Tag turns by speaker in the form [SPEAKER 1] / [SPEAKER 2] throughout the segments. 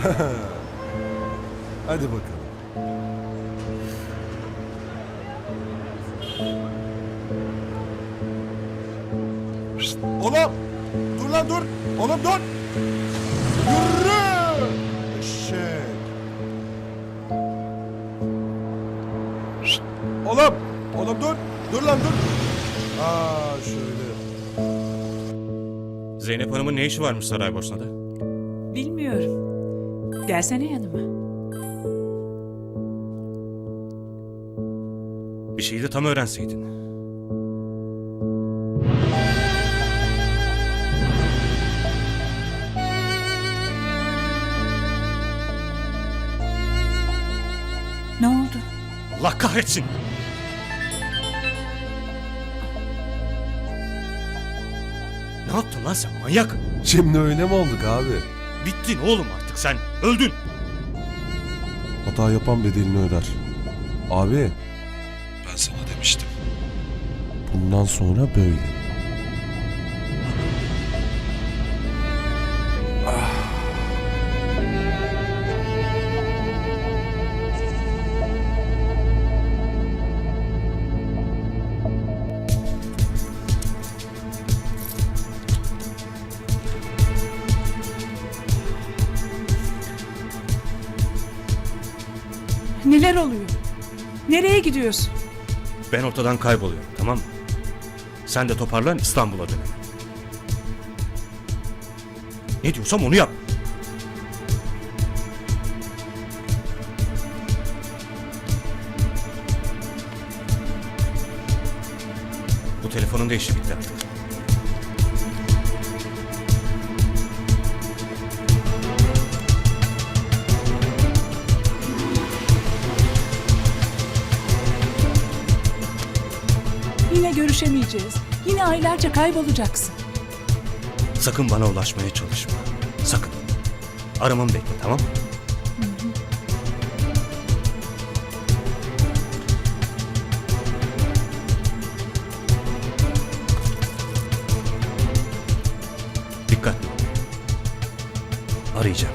[SPEAKER 1] Hadi bakalım. Oğlum! Dur lan dur! Oğlum dur! Yürü! Eşek! Oğlum! Oğlum dur! Dur lan dur! Aa şöyle.
[SPEAKER 2] Zeynep Hanım'ın ne işi varmış Saraybosna'da?
[SPEAKER 3] Bilmiyorum. Gelsene yanıma.
[SPEAKER 2] Bir şeyi de tam öğrenseydin.
[SPEAKER 3] Ne oldu?
[SPEAKER 2] Allah kahretsin! Ne yaptın lan sen manyak?
[SPEAKER 1] Şimdi öyle mi olduk abi?
[SPEAKER 2] Bittin oğlum artık sen. Öldün.
[SPEAKER 1] Hata yapan bedelini öder. Abi. Ben sana demiştim. Bundan sonra böyle.
[SPEAKER 3] Neler oluyor? Nereye gidiyorsun?
[SPEAKER 2] Ben ortadan kayboluyorum, tamam mı? Sen de toparlan, İstanbul'a dön. Ne diyorsam onu yap. Bu telefonun da işi bitti artık.
[SPEAKER 3] Yine görüşemeyeceğiz. Yine aylarca kaybolacaksın.
[SPEAKER 2] Sakın bana ulaşmaya çalışma. Sakın. Aramamı bekle, tamam mı? Dikkatli ol. Arayacağım.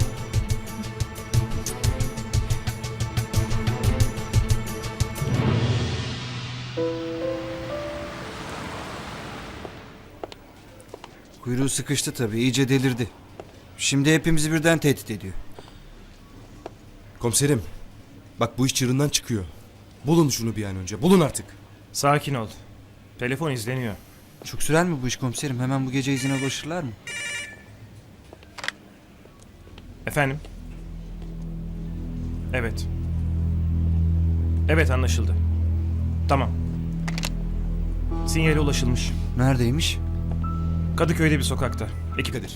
[SPEAKER 4] Kuyruğu sıkıştı tabii, iyice delirdi. Şimdi hepimizi birden tehdit ediyor.
[SPEAKER 5] Komiserim, bak bu iş çığırından çıkıyor. Bulun şunu bir an önce, bulun artık.
[SPEAKER 6] Sakin ol. Telefon izleniyor.
[SPEAKER 4] Çok sürer mi bu iş komiserim? Hemen bu gece izine ulaşırlar mı?
[SPEAKER 6] Efendim? Evet. Evet, anlaşıldı. Tamam. Sinyale ulaşılmış.
[SPEAKER 4] Neredeymiş?
[SPEAKER 6] Kadıköy'de bir sokakta. Ekip
[SPEAKER 5] Kadir.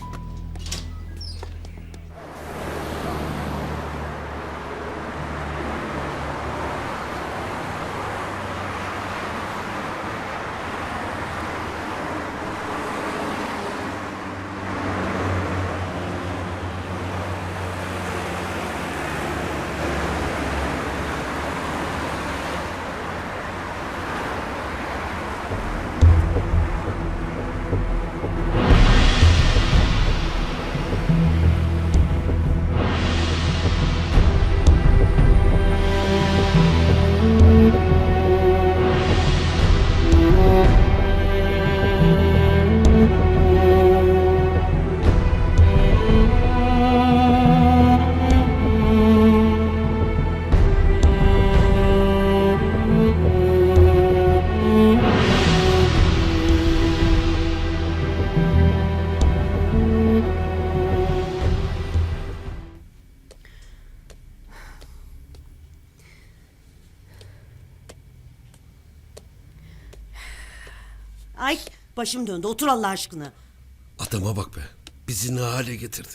[SPEAKER 7] Ay başım döndü, otur Allah aşkına.
[SPEAKER 8] Adama bak be. Bizi ne hale getirdi.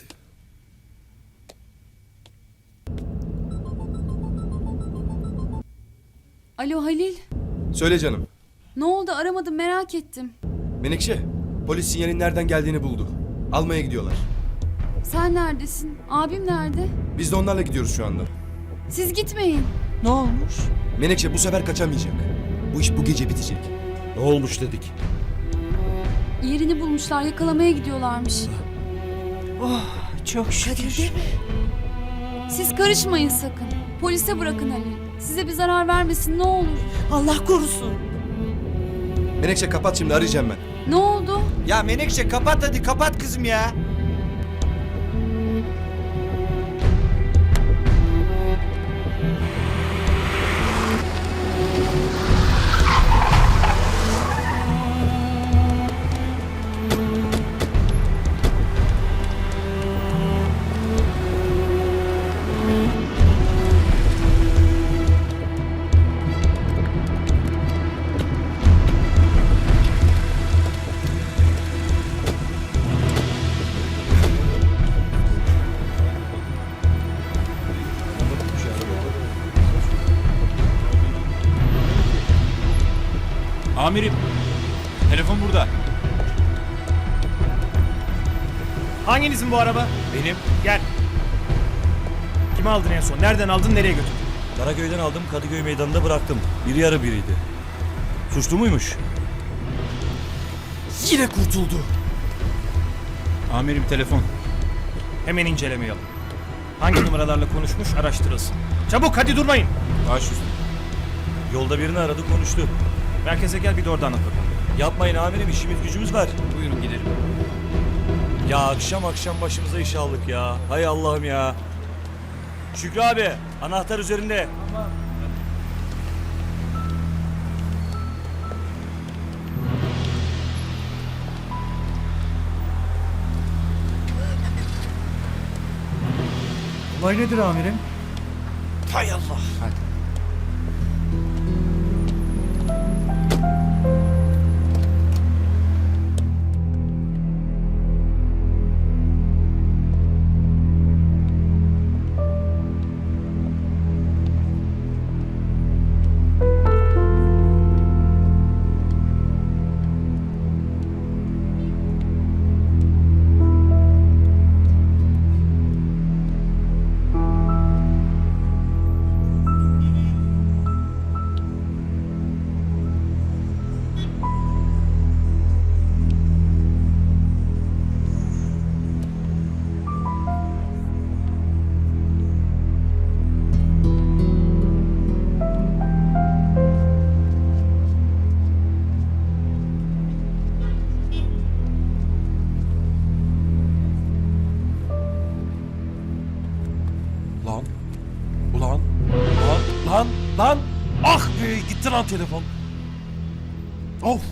[SPEAKER 9] Alo Halil.
[SPEAKER 5] Söyle canım.
[SPEAKER 9] Ne oldu, aramadım, merak ettim.
[SPEAKER 5] Menekşe, polis sinyalin nereden geldiğini buldu. Almaya gidiyorlar.
[SPEAKER 9] Sen neredesin? Abim nerede?
[SPEAKER 5] Biz de onlarla gidiyoruz şu anda.
[SPEAKER 9] Siz gitmeyin.
[SPEAKER 3] Ne olmuş?
[SPEAKER 5] Menekşe bu sefer kaçamayacak. Bu iş bu gece bitecek.
[SPEAKER 8] Ne olmuş dedik.
[SPEAKER 9] Yerini bulmuşlar, yakalamaya gidiyorlarmış.
[SPEAKER 3] Oh, çok şükür.
[SPEAKER 7] Kadir değil mi?
[SPEAKER 9] Siz karışmayın sakın. Polise bırakın Ali. Size bir zarar vermesin ne olur.
[SPEAKER 7] Allah korusun.
[SPEAKER 5] Menekşe kapat şimdi arayacağım ben.
[SPEAKER 9] Ne oldu?
[SPEAKER 4] Ya Menekşe kapat hadi kapat kızım ya.
[SPEAKER 10] Amirim, telefon burada.
[SPEAKER 6] Hanginizin bu araba?
[SPEAKER 2] Benim
[SPEAKER 6] Gel. Kimi aldın en son? Nereden aldın? Nereye götürdün?
[SPEAKER 2] Karaköy'den aldım, Kadıköy meydanında bıraktım. Biri yarı biriydi. Suçlu muymuş?
[SPEAKER 5] Yine kurtuldu.
[SPEAKER 10] Amirim telefon.
[SPEAKER 6] Hemen inceleme yapın. Hangi numaralarla konuşmuş araştırılsın. Çabuk hadi durmayın.
[SPEAKER 10] Baş üstüne.
[SPEAKER 2] Yolda birini aradı, konuştu.
[SPEAKER 6] Merkeze gel bir de orada anlat bakalım.
[SPEAKER 2] Yapmayın amirim, işimiz gücümüz var.
[SPEAKER 10] Buyurun gidelim.
[SPEAKER 2] Ya akşam başımıza iş aldık ya. Hay Allah'ım ya. Şükrü abi, anahtar üzerinde.
[SPEAKER 4] Olay nedir amirim?
[SPEAKER 5] Hay Allah.
[SPEAKER 1] Lan. Ulan. Lan. Ah be gitti lan telefon. Of.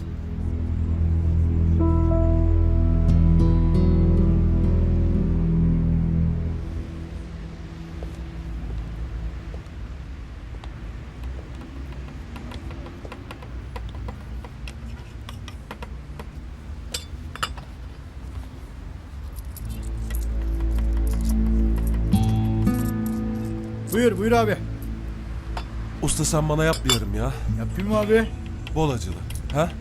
[SPEAKER 4] Buyur abi.
[SPEAKER 1] Usta sen bana yap bir yarım ya.
[SPEAKER 4] Yapayım abi.
[SPEAKER 1] Bol acılı. Ha?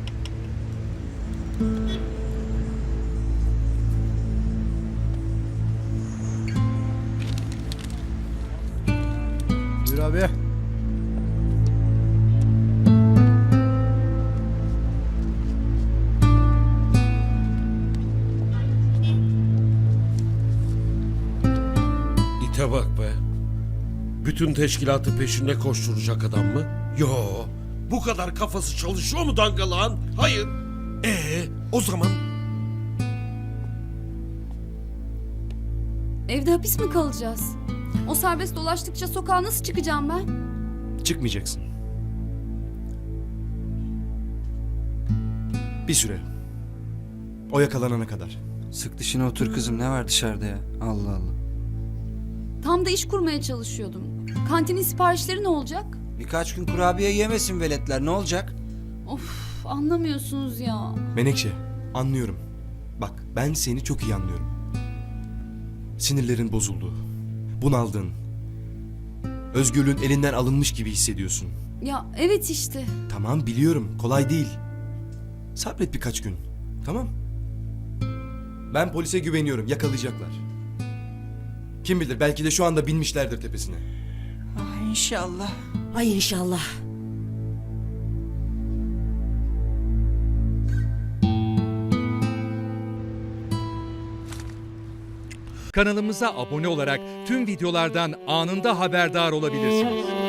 [SPEAKER 4] Buyur abi.
[SPEAKER 8] İte bak be. Bütün teşkilatı peşinde koşturacak adam mı? Yo. Bu kadar kafası çalışıyor mu dangalağın? Hayır. O zaman
[SPEAKER 9] Evde hapis mi kalacağız? O serbest dolaştıkça sokağa nasıl çıkacağım ben?
[SPEAKER 5] Çıkmayacaksın. Bir süre. O yakalanana kadar.
[SPEAKER 4] Sık dişine otur kızım, ne var dışarıda ya? Allah Allah.
[SPEAKER 9] Tam da iş kurmaya çalışıyordum. Kantinin siparişleri ne olacak?
[SPEAKER 4] Birkaç gün kurabiye yemesin veletler, ne olacak?
[SPEAKER 9] Of, anlamıyorsunuz ya.
[SPEAKER 5] Menekşe, anlıyorum. Bak, ben seni çok iyi anlıyorum. Sinirlerin bozuldu. Bunaldın. Özgürlüğün elinden alınmış gibi hissediyorsun.
[SPEAKER 9] Ya evet işte.
[SPEAKER 5] Tamam, biliyorum. Kolay değil. Sabret birkaç gün. Tamam? Ben polise güveniyorum. Yakalayacaklar. Kim bilir, belki de şu anda binmişlerdir tepesine.
[SPEAKER 3] Ah inşallah.
[SPEAKER 7] Ay inşallah.
[SPEAKER 11] Kanalımıza abone olarak tüm videolardan anında haberdar olabilirsiniz.